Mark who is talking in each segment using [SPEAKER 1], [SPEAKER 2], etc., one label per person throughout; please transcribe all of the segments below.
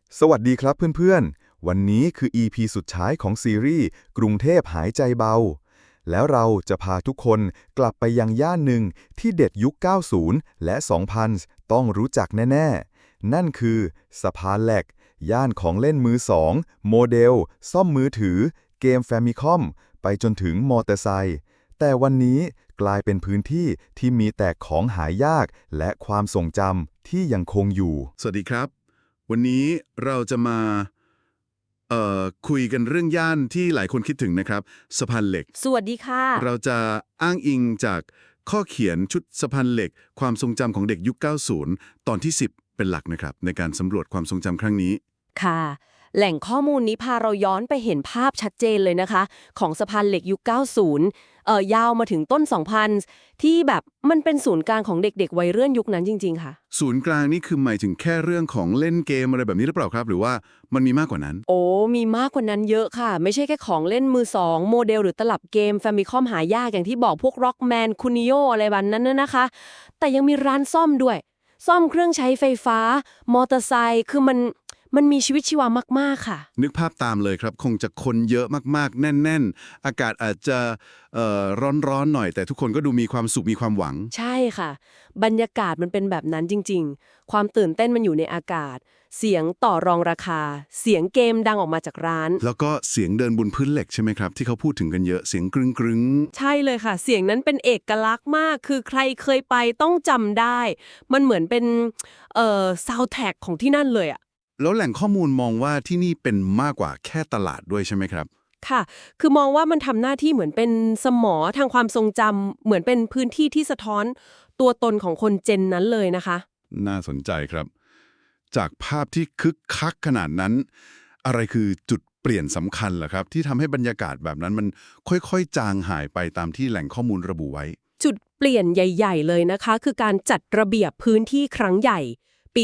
[SPEAKER 1] สวัสดีครับเพื่อนๆ วันนี้คือ EP สุดท้ายของซีรีส์กรุงเทพหายใจเบา แล้วเราจะพาทุกคนกลับไปยังย่านหนึ่งที่เด็กยุค 90 และ 2000 ต้องรู้จักแน่ๆ นั่นคือสะพานเหล็ก ย่านของเล่นมือสองโมเดล ซ่อมมือถือ เกมแฟมิคอม ไปจนถึงมอเตอร์ไซค์แต่วันนี้กลายเป็นพื้นที่ที่มีแต่ของหายากและความทรงจำที่ยังคงอยู่
[SPEAKER 2] สวัสดีครับ วันนี้เราจะมาคุยกันเรื่องย่านที่หลายคนคิดถึงนะครับสะพานเหล็ก
[SPEAKER 3] สวัสดีค่ะ
[SPEAKER 2] เราจะอ้างอิงจากข้อเขียนชุดสะพานเหล็ก ความทรงจำของเด็กยุค 90 ตอนที่ 10 เป็นหลักนะครับในการสำรวจความทรงจำครั้งนี้
[SPEAKER 3] ค่ะ แหล่งข้อมูลนี้พาเราย้อนไปเห็นภาพชัดเจนเลยนะคะ ของสะพานเหล็กยุค 90ยาวมาถึงต้น 2000 ที่แบบมันเป็นศูนย์กลางของเด็กๆวัยเรื่อนยุคนั้นจริงๆค่ะ
[SPEAKER 2] ศูนย์กลางนี่คือหมายถึงแค่เรื่องของเล่นเกมอะไรแบบนี้หรือเปล่าครับ หรือว่ามันมีมากกว่านั้น
[SPEAKER 3] โอ้ มีมากกว่านั้นเยอะค่ะ ไม่ใช่แค่ของเล่นมือสองโมเดลหรือตลับเกม Famicom หายากอย่างที่บอกพวก Rockman Kunio อะไรแบบนั้นน่ะนะคะ แต่ยังมีร้านซ่อมด้วย ซ่อมเครื่องใช้ไฟฟ้ามอเตอร์ไซค์คือมันมีชีวิตชีวามากๆค่ะ
[SPEAKER 2] นึกภาพตามเลยครับ คงจะคนเยอะมากๆ แน่นๆ อากาศอาจจะร้อนๆหน่อยแต่ทุกคนก็ดูมีความสุขมีความหวัง
[SPEAKER 3] ใช่ค่ะ บรรยากาศมันเป็นแบบนั้นจริงๆ ความตื่นเต้นมันอยู่ในอากาศ เสียงต่อรองราคา เสียงเกมดังออกมาจากร้าน
[SPEAKER 2] แล้วก็เสียงเดินบนพื้นเหล็กใช่ไหมครับ ที่เขาพูดถึงกันเยอะเสียงกรึง
[SPEAKER 3] ใช่เลยค่ะ เสียงนั้นเป็นเอกลักษณ์มาก คือใครเคยไปต้องจำได้ มันเหมือนเป็นซาวด์แทร็กของที่นั่นเลยอะ
[SPEAKER 2] ๆแล้วแหล่งข้อมูลมองว่าที่นี่เป็นมากกว่าแค่ตลาดด้วยใช่ไหมครับ
[SPEAKER 3] ค่ะ คือมองว่ามันทำหน้าที่เหมือนเป็นสมอทางความทรงจำเหมือนเป็นพื้นที่ที่สะท้อนตัวตนของคนเจนนั้นเลยนะคะ
[SPEAKER 2] น่าสนใจครับ จากภาพที่คึกคักขนาดนั้น อะไรคือจุดเปลี่ยนสำคัญเหรอครับ ที่ทำให้บรรยากาศแบบนั้นมันค่อยๆจางหายไปตามที่แหล่งข้อมูลระบุไว้
[SPEAKER 3] จุดเปลี่ยนใหญ่ๆเลยนะคะ คือการจัดระเบียบพื้นที่ครั้งใหญ่ปี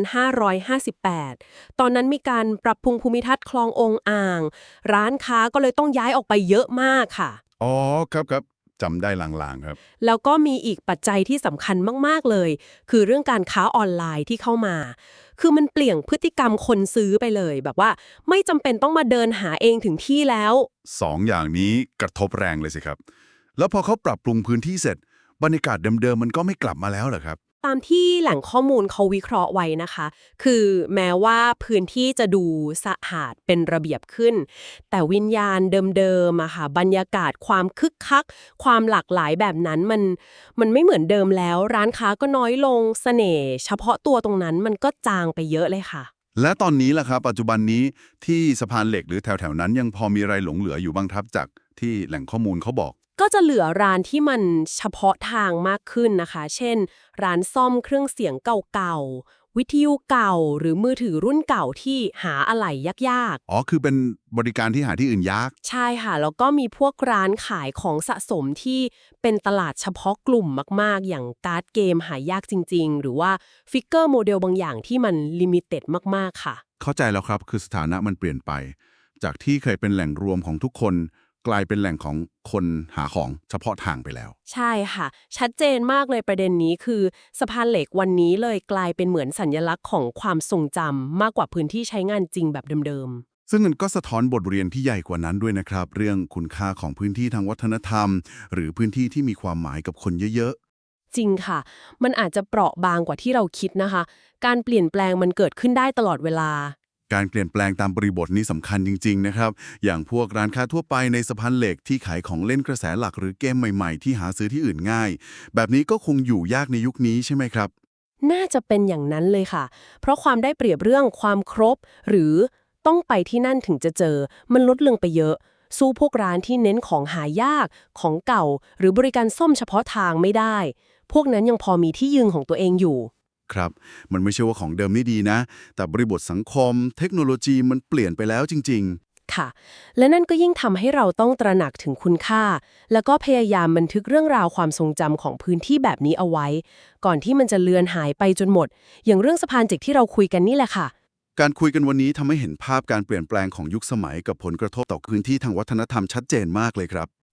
[SPEAKER 3] 2558 ตอนนั้นมีการปรับปรุงภูมิทัศน์คลององอ่าง ร้านค้าก็เลยต้องย้ายออกไปเยอะมากค่ะ
[SPEAKER 2] อ๋อครับจำได้ลางๆครับ
[SPEAKER 3] แล้วก็มีอีกปัจจัยที่สำคัญมากๆเลย คือเรื่องการค้าออนไลน์ที่เข้ามา คือมันเปลี่ยนพฤติกรรมคนซื้อไปเลย แบบว่าไม่จำเป็นต้องมาเดินหาเองถึงที่แล้ว
[SPEAKER 2] สองอย่างนี้กระทบแรงเลยสิครับ แล้วพอเขาปรับปรุงพื้นที่เสร็จ บรรยากาศเดิมๆมันก็ไม่กลับมาแล้วเหรอครับ
[SPEAKER 3] ตามที่แหล่งข้อมูลเขาวิเคราะห์ไว้นะคะ คือแม้ว่าพื้นที่จะดูสะอาดเป็นระเบียบขึ้น แต่วิญญาณเดิมๆอะค่ะบรรยากาศความคึกคัก ความหลากหลายแบบนั้นมันไม่เหมือนเดิมแล้ว ร้านค้าก็น้อยลงเสน่ห์เฉพาะตัวตรงนั้นมันก็จางไปเยอะเลยค่ะ
[SPEAKER 2] และตอนนี้ล่ะครับปัจจุบันนี้ที่สะพานเหล็กหรือแถวๆนั้นยังพอมีอะไรหลงเหลืออยู่บ้างครับจากที่แหล่งข้อมูลเขาบอก
[SPEAKER 3] ก็จะเหลือร้านที่มันเฉพาะทางมากขึ้นนะคะ เช่น ร้านซ่อมเครื่องเสียงเก่าๆ วิทยุเก่าหรือมือถือรุ่นเก่าที่หาอะไหล่ยาก
[SPEAKER 2] อ๋อคือเป็นบริการที่หาที่อื่นยาก
[SPEAKER 3] ๆ ใช่ค่ะ แล้วก็มีพวกร้านขายของสะสมที่เป็นตลาดเฉพาะกลุ่มมากๆ อย่างการ์ดเกมหายากจริงๆ หรือว่าฟิกเกอร์โมเดลบางอย่างที่มันลิมิเต็ดมากๆ ค่ะ
[SPEAKER 2] เข้าใจแล้วครับคือสถานะมันเปลี่ยนไป จากที่เคยเป็นแหล่งรวมของทุกคน กลายเป็นแหล่งของคนหาของเฉพาะทางไปแล้ว
[SPEAKER 3] ใช่ค่ะ ชัดเจนมากเลยประเด็นนี้คือสะพานเหล็กวันนี้เลยกลายเป็นเหมือนสัญลักษณ์ของความทรงจำมากกว่าพื้นที่ใช้งานจริงแบบเดิม
[SPEAKER 2] ซึ่งมันก็สะท้อนบทเรียนที่ใหญ่กว่านั้นด้วยนะครับ เรื่องคุณค่าของพื้นที่ทางวัฒนธรรม หรือพื้นที่ที่มีความหมายกับคนเยอะ
[SPEAKER 3] ๆ จริงค่ะ มันอาจจะเปราะบางกว่าที่เราคิดนะคะ การเปลี่ยนแปลงมันเกิดขึ้นได้ตลอดเวลา
[SPEAKER 2] ๆ การเปลี่ยนแปลงตามบริบทนี้สำคัญจริงๆนะครับ อย่างพวกร้านค้าทั่วไปในสะพานเหล็กที่ขายของเล่นกระแสหลักหรือเกมใหม่ๆที่หาซื้อที่อื่นง่าย แบบนี้ก็คงอยู่ยากในยุคนี้ใช่ไหมครับ
[SPEAKER 3] น่าจะเป็นอย่างนั้นเลยค่ะ เพราะความได้เปรียบเรื่องความครบ หรือต้องไปที่นั่นถึงจะเจอ มันลดลงไปเยอะ สู้พวกร้านที่เน้นของหายาก ของเก่า หรือบริการซ่อมเฉพาะทางไม่ได้ พวกนั้นยังพอมีที่ยืนของตัวเองอยู่
[SPEAKER 2] ครับ มันไม่ใช่ว่าของเดิมนี่ดีนะ แต่บริบทสังคม เทคโนโลยีมันเปลี่ยนไปแล้วจริง
[SPEAKER 3] ค่ะ และนั่นก็ยิ่งทำให้เราต้องตระหนักถึงคุณค่า แล้วก็พยายามบันทึกเรื่องราวความทรงจำของพื้นที่แบบนี้เอาไว้ ก่อนที่มันจะเลือนหายไปจนหมด อย่างเรื่องสะพานเจ็กที่เราคุยกันนี่แหละค่ะ
[SPEAKER 2] ๆ การคุยกันวันนี้ทำให้เห็นภาพการเปลี่ยนแปลงของยุคสมัยกับผลกระทบต่อพื้นที่ทางวัฒนธรรมชัดเจนมากเลยครับ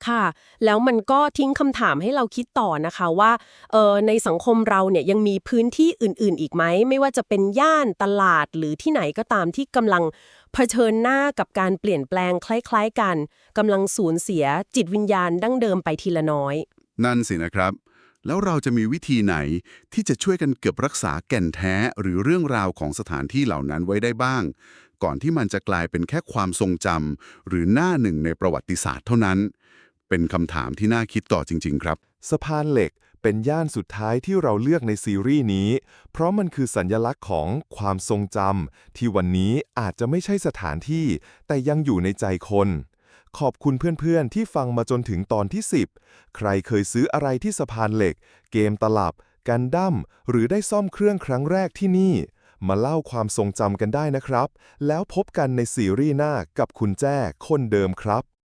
[SPEAKER 3] ค่ะ แล้วมันก็ทิ้งคำถามให้เราคิดต่อนะคะว่าในสังคมเราเนี่ยยังมีพื้นที่อื่นๆอีกไหมไม่ว่าจะเป็นย่านตลาดหรือที่ไหนก็ตามที่กำลังเผชิญหน้ากับการเปลี่ยนแปลงคล้ายๆกันกำลังสูญเสียจิตวิญญาณดั้งเดิมไปทีละน้อย
[SPEAKER 2] นั่นสินะครับ แล้วเราจะมีวิธีไหนที่จะช่วยกันเก็บรักษาแก่นแท้หรือเรื่องราวของสถานที่เหล่านั้นไว้ได้บ้าง ก่อนที่มันจะกลายเป็นแค่ความทรงจำหรือหน้าหนึ่งในประวัติศาสตร์เท่านั้น เป็นคำถามที่น่าคิดต่อจริงๆครับ
[SPEAKER 1] สะพานเหล็กเป็นย่านสุดท้ายที่เราเลือกในซีรีส์นี้ เพราะมันคือสัญลักษณ์ของความทรงจำที่วันนี้อาจจะไม่ใช่สถานที่ แต่ยังอยู่ในใจคน ขอบคุณเพื่อนๆที่ฟังมาจนถึงตอนที่ 10 ใครเคยซื้ออะไรที่สะพานเหล็ก เกมตลับ กันดั้ม หรือได้ซ่อมเครื่องครั้งแรกที่นี่ มาเล่าความทรงจำกันได้นะครับ แล้วพบกันในซีรีส์หน้ากับคุณแจ้คนเดิมครับ